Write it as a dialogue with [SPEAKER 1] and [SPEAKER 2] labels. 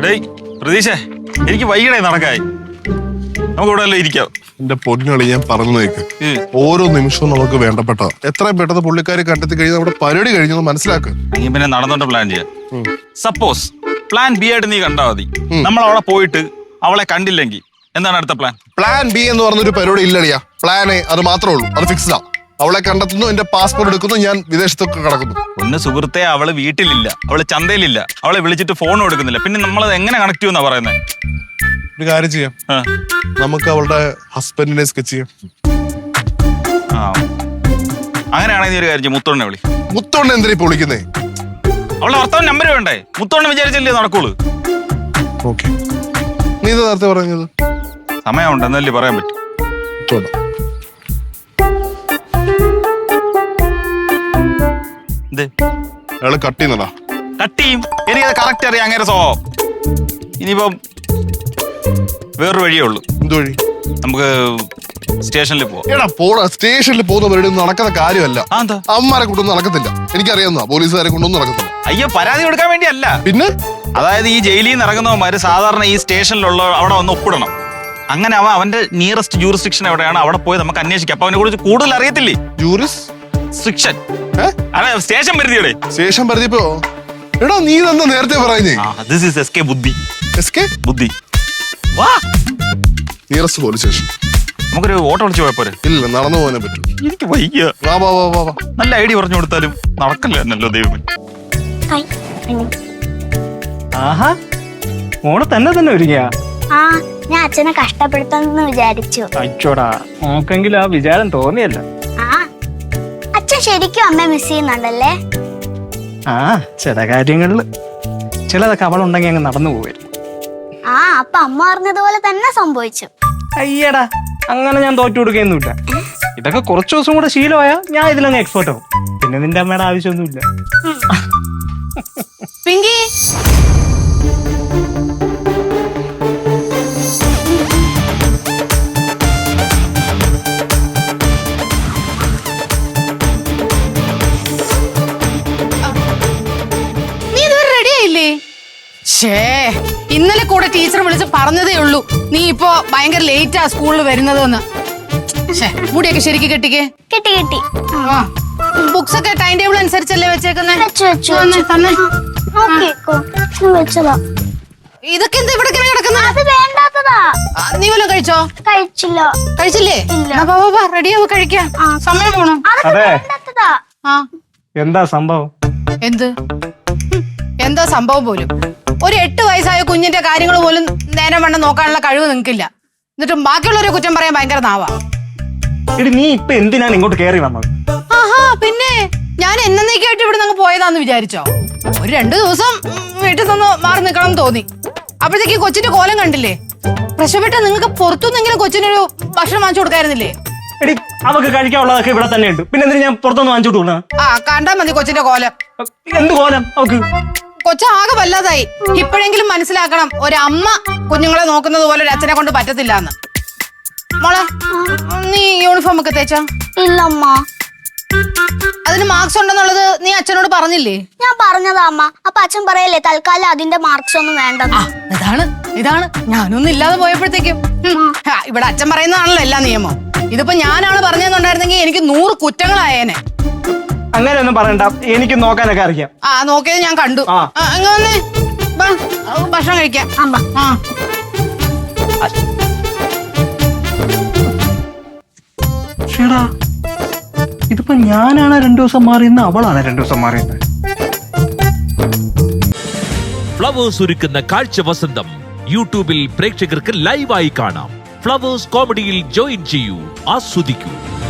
[SPEAKER 1] പ്രതീക്ഷേ, എനിക്ക് വൈകിടേ നടക്കായി. നമുക്ക് ഇവിടെ ഇരിക്കാം.
[SPEAKER 2] എന്റെ പൊന്നുകളി, ഞാൻ പറഞ്ഞു കേക്ക്. ഓരോ നിമിഷവും നമുക്ക് വേണ്ടപ്പെട്ട എത്രയും പെട്ടെന്ന് പുള്ളിക്കാരി കണ്ടെത്തി കഴിഞ്ഞാൽ നമ്മുടെ പരിപാടി കഴിഞ്ഞത് മനസ്സിലാക്കുക.
[SPEAKER 1] പിന്നെ നടന്നോണ്ട് പ്ലാൻ ചെയ്യാം. സപ്പോസ് പ്ലാൻ ബി ആയിട്ട് നീ കണ്ടാ മതി. നമ്മൾ അവിടെ പോയിട്ട് അവളെ കണ്ടില്ലെങ്കിൽ എന്താണ് അടുത്ത പ്ലാൻ?
[SPEAKER 2] പ്ലാൻ ബി എന്ന് പറഞ്ഞൊരു പരിപാടി ഇല്ലടിയാ. പ്ലാൻ എ അത് മാത്രമേ ഉള്ളൂ. അത് ഫിക്സ്ഡാ. അവളെ കണ്ടെത്തുന്നു, എന്റെ പാസ്പോർട്ട് എടുക്കുന്നു, ഞാൻ വിദേശത്തൊക്കെ കിടക്കുന്നു.
[SPEAKER 1] ഒന്ന് സുഹൃത്തെ, അവള് വീട്ടിലില്ല, അവള് ചന്തയിലില്ല, അവളെ വിളിച്ചിട്ട് ഫോൺ എടുക്കുന്നില്ല. പിന്നെ നമ്മൾ എങ്ങനെ കണക്ട് ചെയ്യുമെന്നാ പറയുന്നത്?
[SPEAKER 2] ഒരു കാര്യം ചെയ്യാം, നമുക്ക് അവളുടെ ഹസ്ബൻഡിനെ സ്കെച്ച് ചെയ്യാം.
[SPEAKER 1] അങ്ങനെയാണെങ്കിൽ ഒരു കാര്യം, മുത്തോണ്ണെ വിളി.
[SPEAKER 2] മുത്തോണ്ണ എന്തിനാ ഇപ്പൊ വിളിക്കുന്നേ?
[SPEAKER 1] അവളുടെ ഭർത്താവ് നമ്പർ വേണ്ടേ? മുത്തോണ്ണ വിചാരിച്ചല്ലേ നടക്കുള്ളൂ.
[SPEAKER 2] ഓക്കെ, നീ ഇത് നേരത്തെ പറഞ്ഞത്
[SPEAKER 1] സമയമുണ്ട് എന്നല്ലേ പറയാൻ പറ്റും.
[SPEAKER 2] അയാള് കട്ട് ചെയ്യുന്നടാ.
[SPEAKER 1] കട്ട് ചെയ്യും, എനിക്കത് കറക്റ്റ് അറിയാം അങ്ങനെ സ്വഭാവം. ഇനിയിപ്പം വേറൊരു വഴിയേ ഉള്ളൂ.
[SPEAKER 2] എന്ത് വഴി?
[SPEAKER 1] നമുക്ക് സ്റ്റേഷനിൽ പോവാം.
[SPEAKER 2] എടാ പോടാ, സ്റ്റേഷനിൽ പോകുന്ന പരിപാടി നടക്കുന്ന കാര്യമല്ല. അമ്മമാരെ കൊണ്ടൊന്നും നടക്കത്തില്ല. എനിക്കറിയാവുന്ന പോലീസുകാരെ കൊണ്ടൊന്നും നടക്കത്തില്ല.
[SPEAKER 1] അയ്യോ, പരാതി കൊടുക്കാൻ വേണ്ടിയല്ല.
[SPEAKER 2] പിന്നെ
[SPEAKER 1] അതായത് ഈ ജയിലിൽ നിന്ന് ഇറങ്ങുന്നവന്മാര് സാധാരണ ഈ സ്റ്റേഷനിലുള്ള അവിടെ വന്ന് ഒപ്പിടണം. അങ്ങനെ അവന്റെ നിയറസ്റ്റ് ജൂറിസ്ഡിക്ഷൻ എവിടെയാണ് അവിടെ പോയി നമുക്ക് അന്വേഷിക്കാം. അപ്പൊ അവനെ കുറിച്ച് കൂടുതൽ അറിയത്തില്ലേ? ജൂറിസ്ഡിക്ഷൻ സ്റ്റേഷൻ പരിധിയുടെ
[SPEAKER 2] സ്റ്റേഷൻ പരിധിപ്പോ. എടാ നീ തന്നെ നേരത്തെ പറയുന്നേ.
[SPEAKER 1] ദിസ് ഈസ് എസ്കേ ബുദ്ധി.
[SPEAKER 2] എസ്കേ
[SPEAKER 1] ബുദ്ധി. വാ,
[SPEAKER 2] നിയറസ്റ്റ് പോലീസ് സ്റ്റേഷൻ.
[SPEAKER 1] നമുക്കൊരു ഓട്ടോ വിളിച്ച് പോയപ്പോരെ?
[SPEAKER 2] ഇല്ല, നടന്നു പോകാനേ പറ്റൂ.
[SPEAKER 1] എനിക്ക് വയ്യ.
[SPEAKER 2] വാ വാ വാ വാ.
[SPEAKER 1] നല്ല ഐഡിയ പറഞ്ഞു കൊടുത്താലും നടക്കല്ലോ ദൈവമേ.
[SPEAKER 3] ആഹാ, മോളെ തന്നെ ഒരുങ്ങിയാ?
[SPEAKER 4] ഞാൻ അച്ഛനെ കഷ്ടപ്പെടുത്താന്ന് വിചാരിച്ചു.
[SPEAKER 3] അച്ചോടാ, നോക്കെങ്കിലും ആ വിചാരം തോന്നിയല്ല.
[SPEAKER 4] അച്ഛൻ ശരിക്കും അമ്മ മിസ് ചെയ്യുന്നുണ്ടല്ലേ?
[SPEAKER 3] ചില കാര്യങ്ങളില് ചിലതൊക്കെ അവളുണ്ടെങ്കിൽ അങ്ങ് നടന്നു പോവരുത്.
[SPEAKER 4] അപ്പൊ അമ്മ പറഞ്ഞതുപോലെ തന്നെ സംഭവിച്ചു.
[SPEAKER 3] അയ്യടാ, അങ്ങനെ ഞാൻ തോറ്റു കൊടുക്കുകയൊന്നുമില്ല. ഇതൊക്കെ കുറച്ചു ദിവസം കൂടെ ശീലമായാ ഞാൻ ഇതിലങ്ങ് എക്സ്പേർട്ട് ആവും. പിന്നെ നിന്റെ അമ്മയുടെ ആവശ്യമൊന്നുമില്ല.
[SPEAKER 5] പിങ്കി, നീ ഇതുവരെ റെഡി ആയില്ലേ? ഇന്നലെ കൂടെ ടീച്ചർ വിളിച്ച് പറഞ്ഞതേ ഉള്ളൂ നീ ഇപ്പോ ഭയങ്കര ലേറ്റാ സ്കൂളിൽ വരുന്നതെന്ന്. മുടിയൊക്കെ ശരിക്ക് കെട്ടിക്കേ.
[SPEAKER 4] കെട്ടി.
[SPEAKER 5] ബുക്സ് ഒക്കെ ടൈം ടേബിൾ അനുസരിച്ചല്ലേ വെച്ചേക്കുന്നേ? ഇതൊക്കെ എന്താ ഇവിടെ കിടക്കുന്നത്?
[SPEAKER 4] അത് വേണ്ടാത്തതാ.
[SPEAKER 5] നീ വല്ലതും കഴിച്ചോ? കഴിച്ചില്ലേ? റെഡിയാവും, കഴിക്കാം. സമയം പോണം.
[SPEAKER 3] എന്താ സംഭവം?
[SPEAKER 5] എന്താ സംഭവം പോലും? ഒരു 8 വയസ്സായ കുഞ്ഞിന്റെ കാര്യങ്ങൾ പോലും നേരം വണ്ണം നോക്കാനുള്ള കഴിവ് നിങ്ങൾക്കില്ല. എന്നിട്ടും ബാക്കിയുള്ളവരെ കുറ്റം പറയാൻ ഭയങ്കര നാവാ.
[SPEAKER 3] നീ ഇപ്പൊ എന്തിനാണ് ഇങ്ങോട്ട് കയറി വന്നത്?
[SPEAKER 5] പിന്നെ ഞാൻ എന്നേക്കായിട്ട് ഇവിടെ നിന്ന് പോയതാന്ന് വിചാരിച്ചോ? ഒരു 2 ദിവസം വീട്ടിൽ നിന്ന് മാറി നിൽക്കണം തോന്നി. അപ്പോഴത്തേക്ക് കൊച്ചിന്റെ കോലം കണ്ടില്ലേ? പ്രശ്നപ്പെട്ട നിങ്ങൾക്ക് പുറത്തുനിന്നെങ്കിലും കൊച്ചിനൊരു ഭക്ഷണം വാങ്ങിച്ചു കൊടുക്കായിരുന്നില്ലേ?
[SPEAKER 3] എടി, അവക്ക് കഴിക്കാനുള്ളതൊക്കെ ഇവിടെ തന്നെ ഉണ്ട്. പിന്നെ എന്തിനാ ഞാൻ പുറത്തൊന്ന് വാങ്ങിച്ചു കൊടുക്കണം?
[SPEAKER 5] കണ്ടാ മതി കൊച്ചിന്റെ കോലം.
[SPEAKER 3] എന്ത് കോലം അവക്ക്?
[SPEAKER 5] കൊച്ചാകെ വല്ലാതായി. ഇപ്പോഴെങ്കിലും മനസ്സിലാക്കണം, ഒരമ്മ കുഞ്ഞുങ്ങളെ നോക്കുന്നത് പോലെ ഒരു അച്ഛനെ കൊണ്ട് പറ്റത്തില്ല എന്ന്. മോളെ, നീ യൂണിഫോം ഒക്കെ തേച്ചാ?
[SPEAKER 4] ഇല്ലമ്മ.
[SPEAKER 5] അതിന് മാർക്സ് ഉണ്ടെന്നുള്ളത് നീ അച്ഛനോട് പറഞ്ഞില്ലേ?
[SPEAKER 4] ഞാൻ പറഞ്ഞതാ അമ്മ. അപ്പൊ അച്ഛൻ പറയല്ലേ തൽക്കാലം അതിന്റെ മാർക്സ് ഒന്നും വേണ്ടെന്ന്.
[SPEAKER 5] ഇതാണ് ഞാനൊന്നും ഇല്ലാതെ പോയപ്പോഴത്തേക്കും ഇവിടെ അച്ഛൻ പറയുന്നതാണല്ലോ എല്ലാ നിയമം. ഇതിപ്പോ ഞാനാണ് പറഞ്ഞെന്നുണ്ടായിരുന്നെങ്കിൽ എനിക്ക് 100 കുറ്റങ്ങളായേനെ.
[SPEAKER 3] അങ്ങനെയൊന്നും പറയണ്ട, എനിക്ക് നോക്കാനൊക്കെ അറിയാം.
[SPEAKER 5] നോക്കിയത് ഞാൻ കണ്ടു. വന്നേ, ഭക്ഷണം കഴിക്കാം.
[SPEAKER 3] ഇതിപ്പോ ഞാനാണ് 2 ദിവസം മാറിയെന്ന്, അവളാണ് 2 ദിവസം മാറിയെന്ന്.
[SPEAKER 6] ഫ്ലവേഴ്സ് ഒരുക്കുന്ന കാഴ്ച വസന്തം യൂട്യൂബിൽ പ്രേക്ഷകർക്ക് ലൈവായി കാണാം. ഫ്ലവേഴ്സ് കോമഡിയിൽ ജോയിൻ ചെയ്യൂ, ആസ്വദിക്കൂ.